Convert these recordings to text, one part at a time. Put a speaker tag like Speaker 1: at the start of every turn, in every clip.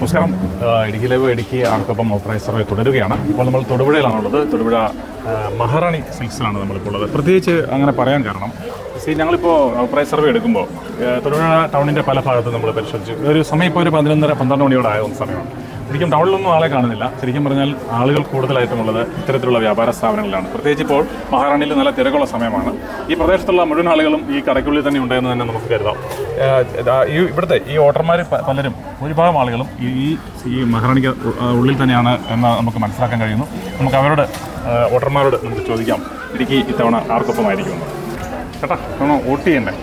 Speaker 1: നമസ്കാരം. Idukki live Idukki ആർക്കൊപ്പം authorise survey തുടരുകയാണ്. ഇപ്പോൾ നമ്മൾ തൊടുപുഴയിലാണുള്ളത്. തൊടുപുഴ മഹാറാണി സിൽക്സിലാണ് നമ്മളിപ്പോൾ ഉള്ളത്. പ്രത്യേകിച്ച് അങ്ങനെ പറയാൻ കാരണം ഞങ്ങളിപ്പോൾ ഓത്തറൈസ് സർവേ എടുക്കുമ്പോൾ തൊടുപുഴ ടൗണിൻ്റെ പല ഭാഗത്തും നമ്മൾ പരിശോധിച്ചു. ഒരു സമയം ഇപ്പോൾ ഒരു 11:30-12 മണിയോടെ ആയ സമയമാണ്. ശരിക്കും ടൗണിലൊന്നും ആളെ കാണുന്നില്ല. ശരിക്കും പറഞ്ഞാൽ ആളുകൾ കൂടുതലായിട്ടുമുള്ളത് ഇത്തരത്തിലുള്ള വ്യാപാര സ്ഥാപനങ്ങളിലാണ്. പ്രത്യേകിച്ച് ഇപ്പോൾ മഹാറാണിയിൽ നല്ല തിരക്കുള്ള സമയമാണ്. ഈ പ്രദേശത്തുള്ള മുഴുവൻ ആളുകളും ഈ കടയ്ക്കുള്ളിൽ തന്നെ ഉണ്ടെന്ന് തന്നെ നമുക്ക് കരുതാം. ഇവിടുത്തെ ഈ വോട്ടർമാർ പലരും ഭൂരിഭാഗം ആളുകളും ഈ മഹാറാണിക്ക് ഉള്ളിൽ തന്നെയാണ് എന്ന് നമുക്ക് മനസ്സിലാക്കാൻ കഴിയുന്നു. നമുക്ക് അവരോട് വോട്ടർമാരോട് നമുക്ക് ചോദിക്കാം, ഇടുക്കി ഇത്തവണ ആർക്കൊപ്പമായിരിക്കും ചേട്ടാ? ഇത്തവണ വോട്ട് ചെയ്യണ്ടേ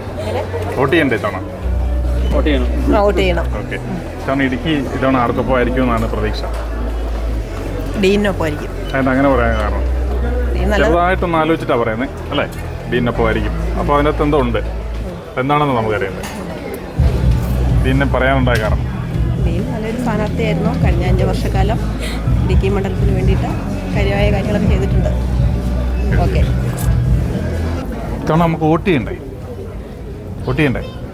Speaker 1: ഇത്തവണ?
Speaker 2: വോട്ട് ചെയ്യണം.
Speaker 1: ഓക്കെ. ഇത്തവണ ഇടുക്കി ഇത്തവണ ആർക്കൊപ്പമായിരിക്കും എന്നാണ് പ്രതീക്ഷ?
Speaker 3: ഡീനൊപ്പമായിരിക്കും.
Speaker 1: അങ്ങനെ പറയാൻ കാരണം ചെറുതായിട്ടൊന്ന് ആലോചിച്ചിട്ടാണ് പറയുന്നത് അല്ലേ? ഡീനൊപ്പമായിരിക്കും. അപ്പോൾ അതിനകത്ത് എന്തോ ഉണ്ട്, എന്താണെന്ന് നമുക്കറിയുന്നത്. ഡീനെ പറയാനുണ്ടായ കാരണം
Speaker 3: ഡീൻ നല്ലൊരു സ്ഥാനാർത്ഥിയായിരുന്നു. കഴിഞ്ഞ 5 വർഷക്കാലം ഇടുക്കി മണ്ഡലത്തിന് വേണ്ടിയിട്ട് കാര്യമായ കാര്യങ്ങളൊക്കെ ചെയ്തിട്ടുണ്ട്. ഓക്കെ.
Speaker 1: ഇത്തവണ നമുക്ക് വോട്ട് ചെയ്യണ്ടേ? ഓക്കെ.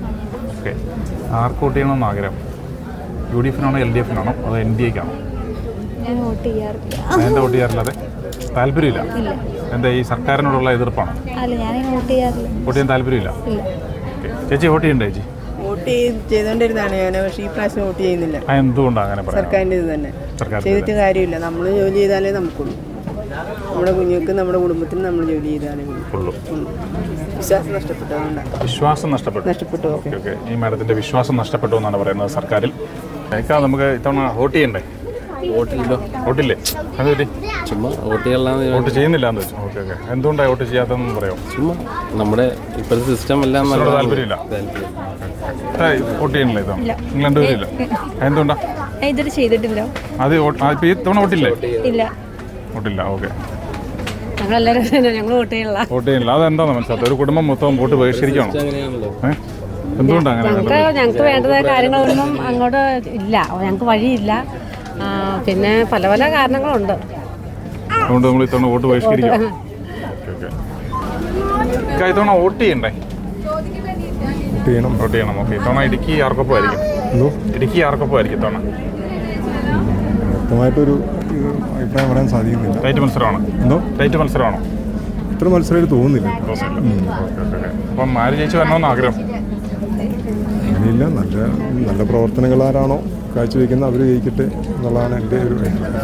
Speaker 1: ആർക്ക് വോട്ട് ചെയ്യണമെന്ന് ആഗ്രഹം? UDF-നാണോ LDF-നാണോ അതോ NDA-ക്കാണോ?
Speaker 4: ഞാൻ വോട്ട് ചെയ്യാറില്ല.
Speaker 1: എന്താ വോട്ട് ചെയ്യാറില്ല? അതെ, താല്പര്യമില്ല. എന്താ ഈ സർക്കാരിനോടുള്ള എതിർപ്പാണോ?
Speaker 4: അല്ല, ഞാൻ വോട്ട് ചെയ്യാറില്ല.
Speaker 1: വോട്ട് ചെയ്യാൻ താല്പര്യമില്ല. ചേച്ചി വോട്ട് ചെയ്യണ്ടേ? ചേച്ചി
Speaker 5: വോട്ട് ചെയ്തുകൊണ്ടിരുന്നതാണ് ഞാൻ, പക്ഷേ ഈ പ്രാവശ്യം വോട്ട് ചെയ്യുന്നില്ല.
Speaker 1: എന്തുകൊണ്ടാണ് അങ്ങനെ പറയാം?
Speaker 5: സർക്കാരിൻ്റെ ഇത് തന്നെ ചെയ്തിട്ട് കാര്യമില്ല. നമ്മൾ ജോലി ചെയ്താലേ നമുക്കുള്ളൂ. നമ്മുടെ കുഞ്ഞുങ്ങൾക്ക് നമ്മുടെ കുടുംബത്തിന് നമ്മൾ ജോലി ചെയ്താലേ ഉള്ളൂ. വിശ്വാസം നഷ്ടപ്പെട്ടു.
Speaker 1: ഓക്കെ. ഈ മാഡത്തിന്റെ വിശ്വാസം നഷ്ടപ്പെട്ടു എന്നാണ് പറയുന്നത് സർക്കാരിൽ. നമുക്ക് ഇത്തവണ വോട്ട് ചെയ്യണ്ടേ? വോട്ടില്ലേ? അതുപറ്റി
Speaker 2: ചുമ്മാ വോട്ട് ചെയ്യാൻ
Speaker 1: വോട്ട് ചെയ്യുന്നില്ല എന്ന് വെച്ചു. ഓക്കെ. എന്തുകൊണ്ടാണ് വോട്ട് ചെയ്യാത്തതെന്ന് പറയാമോ?
Speaker 2: ചുമ്മാ നമ്മുടെ ഇപ്പോഴത്തെ സിസ്റ്റം എല്ലാം
Speaker 1: താല്പര്യമില്ല. വോട്ട് ചെയ്യണില്ല ഇത്തവണ? നിങ്ങൾ രണ്ടുപേരില്ല? എന്തുകൊണ്ടാ?
Speaker 4: ഇതുവരെ ചെയ്തിട്ടില്ല.
Speaker 1: അത് ഈ തവണ വോട്ടില്ലേ?
Speaker 4: ഇല്ല.
Speaker 1: വോട്ടില്ല. ഓക്കെ.
Speaker 4: ഞങ്ങൾ വോട്ട്
Speaker 1: ചെയ്യണില്ല. അതെന്താണെന്ന് മനസ്സിലാത്ത ഒരു കുടുംബം മൊത്തം വോട്ട് ബഹിഷ്കരിക്കണോ? എന്തുകൊണ്ടാണ് അങ്ങനെ?
Speaker 4: ഞങ്ങൾക്ക് വേണ്ടതായ കാര്യങ്ങളൊന്നും അങ്ങോട്ട് ഇല്ല. ഞങ്ങൾക്ക് വഴിയില്ല. പിന്നെ പല പല കാരണങ്ങളുണ്ട്.
Speaker 1: അതുകൊണ്ട് നമ്മൾ ഇത്തവണ വോട്ട് ബഹിഷ്കരിക്കും. ഇത്തവണ വോട്ട് ചെയ്യണ്ടേ? വോട്ട് ചെയ്യണം. ഓക്കെ. ഇത്തവണ ഇടുക്കി ആർക്കൊപ്പമായിരിക്കും? ഇടുക്കി ആർക്കൊപ്പമായിരിക്കും ഇത്തവണ?
Speaker 6: വ്യക്തമായിട്ടൊരു അഭിപ്രായം പറയാൻ സാധിക്കുന്നില്ല.
Speaker 1: ടൈറ്റ് മത്സരമാണോ?
Speaker 6: ഇത്ര മത്സരമായിട്ട് തോന്നുന്നില്ല.
Speaker 1: അപ്പം ആര് ജയിച്ചു വരണമെന്ന് ആഗ്രഹം?
Speaker 6: അങ്ങനെയില്ല. നല്ല പ്രവർത്തനങ്ങൾ ആരാണോ കാഴ്ചവെക്കുന്നത് അവർ ജയിക്കട്ടെ എന്നുള്ളതാണ് എൻ്റെ ഒരു അഭിപ്രായം.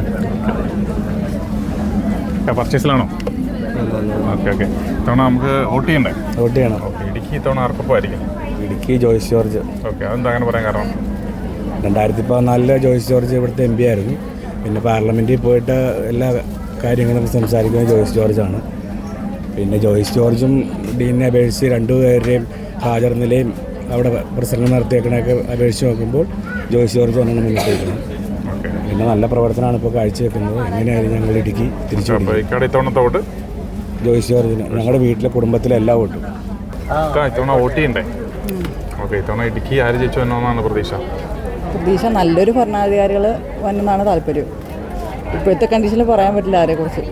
Speaker 1: പർച്ചേസിലാണോ? ഓക്കെ. ഇത്തവണ നമുക്ക് വോട്ട് ചെയ്യണ്ടേ?
Speaker 7: വോട്ട് ചെയ്യണം.
Speaker 1: ഓക്കെ. ഇടുക്കി ഇത്തവണ ആർക്കൊപ്പമായിരിക്കും?
Speaker 7: ഇടുക്കി ജോയ്സ് ജോർജ്.
Speaker 1: ഓക്കെ. അതെന്താ അങ്ങനെ പറയാൻ കാരണം?
Speaker 7: 2014 ജോയ്സ് ജോർജ് ഇവിടുത്തെ MP ആയിരുന്നു. പിന്നെ പാർലമെൻറ്റിൽ പോയിട്ട് എല്ലാ കാര്യങ്ങളും സംസാരിക്കുന്നത് ജോയ്സ് ജോർജാണ്. പിന്നെ ജോയ്സ് ജോർജും ഡീനെ അപേക്ഷിച്ച് രണ്ടുപേരുടെയും ഹാജർ നിലയും അവിടെ പ്രസംഗം നടത്തിയേക്കണൊക്കെ അപേക്ഷിച്ച് നോക്കുമ്പോൾ ജോയ്സ് ജോർജ് തന്നെയാണ് മുന്നിട്ട് വയ്ക്കുന്നത്. പിന്നെ നല്ല പ്രവർത്തനമാണ് ഇപ്പോൾ കാഴ്ചവെക്കുന്നത്. എങ്ങനെയായിരുന്നു ഞങ്ങൾ ഇടുക്കി തിരിച്ചു
Speaker 1: വോട്ട്
Speaker 7: ജോയ്സ് ജോർജിന് ഞങ്ങളുടെ വീട്ടിലെ കുടുംബത്തിലെ എല്ലാ വോട്ടും.
Speaker 1: ഇത്തവണ വോട്ട് ചെയ്യണ്ടേ? ഓക്കെ. ഇത്തവണ ഇടുക്കി ആര് ജയിച്ചു വരണമെന്നാണ് പ്രതീക്ഷ?
Speaker 5: നല്ലൊരു ഭരണാധികാരികൾ വന്നെന്നാണ് താല്പര്യം. ഇപ്പോഴത്തെ കണ്ടീഷനിൽ പറയാൻ പറ്റില്ല ആരെക്കുറിച്ച്.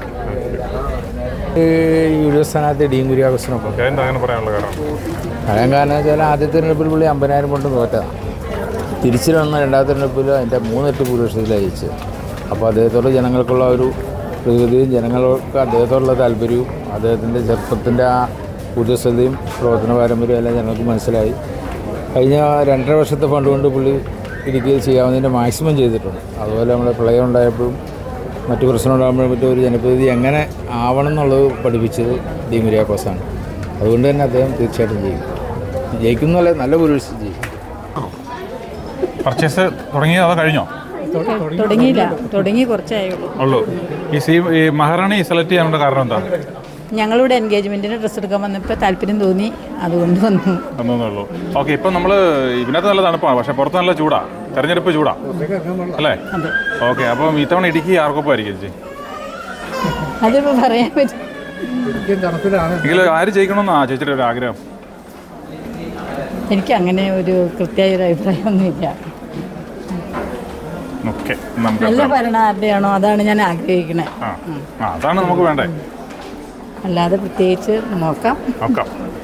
Speaker 7: UDF സ്ഥാനാർത്ഥി ഡീൻ കുര്യാക്കോസിനൊപ്പം.
Speaker 1: എന്താ അങ്ങനെ പറയാനുള്ള കാരണം?
Speaker 7: കാരണം വെച്ചാൽ ആദ്യത്തെ തെരഞ്ഞെടുപ്പിൽ പുള്ളി 50,000 കൊണ്ട് തോറ്റതാണ്. തിരിച്ചു വന്ന രണ്ടാമത്തെ തെരഞ്ഞെടുപ്പിൽ അതിൻ്റെ 3 ഇരട്ടി ഭൂരിപക്ഷത്തിൽ അയച്ചു. അപ്പോൾ അദ്ദേഹത്തോട് ജനങ്ങൾക്കുള്ള ഒരു പ്രകൃതിയും ജനങ്ങൾക്ക് അദ്ദേഹത്തോടുള്ള താല്പര്യവും അദ്ദേഹത്തിൻ്റെ ചെറുപ്പത്തിൻ്റെ ആ ഊർജ്ജസ്വലതയും പ്രവർത്തന പാരമ്പര്യവും എല്ലാം ജനങ്ങൾക്ക് മനസ്സിലായി. കഴിഞ്ഞ 2.5 വർഷത്തെ ഫണ്ട് കൊണ്ട് പുള്ളി ഇടുക്കി ചെയ്യാവുന്നതിൻ്റെ മാക്സിമം ചെയ്തിട്ടുണ്ട്. അതുപോലെ നമ്മുടെ പ്രളയം ഉണ്ടായപ്പോഴും മറ്റു പ്രശ്നം ഉണ്ടാകുമ്പോഴും മറ്റും ഒരു ജനപ്രതിനിധി എങ്ങനെ ആവണം എന്നുള്ളത് പഠിപ്പിച്ചത് ഡീൻ കുര്യാക്കോസാണ്. അതുകൊണ്ട് തന്നെ അദ്ദേഹം തീർച്ചയായിട്ടും ജയിക്കുന്നതല്ല, നല്ല ഭൂരിപക്ഷം ചെയ്യും.
Speaker 1: പർച്ചേസ് തുടങ്ങിയോ അതോ കഴിഞ്ഞോ?
Speaker 3: തുടങ്ങി കുറച്ചേ
Speaker 1: ഉള്ളൂ. ഈ മഹാറാണി സെലക്ട് ചെയ്യാനുള്ള കാരണം എന്താ?
Speaker 3: ഞങ്ങളിവിടെ എൻഗേജ്മെന്റിന് ഡ്രസ്സ് എടുക്കാൻ വന്നപ്പോൾ താല്പര്യം തോന്നി, അതുകൊണ്ട്
Speaker 1: വന്നേ. ഓക്കെ. ഇപ്പം നമ്മൾ ഇതിനകത്ത് നല്ല തണുപ്പാണ്, പക്ഷെ പുറത്ത് നല്ല ചൂടാ. തെരഞ്ഞെടുപ്പ് ചൂടാ അല്ലേ? ഓക്കെ. അപ്പം ഇത്തവണ ഇടുക്കി ആർക്കൊപ്പമായിരിക്കും ചേച്ചി?
Speaker 3: അതിപ്പോൾ പറയാൻ പറ്റും.
Speaker 1: ആര് ജയിക്കണമെന്നാ ചേച്ചിയുടെ ഒരു ആഗ്രഹം?
Speaker 3: എനിക്ക് അങ്ങനെ ഒരു കൃത്യമായ ഒരു അഭിപ്രായമൊന്നുമില്ല. നല്ല ഭരണം ആരുടെയാണോ അതാണ് ഞാൻ ആഗ്രഹിക്കുന്നത്.
Speaker 1: അതാണ് നമുക്ക് വേണ്ടേ.
Speaker 3: അല്ലാതെ പ്രത്യേകിച്ച് നോക്കാം.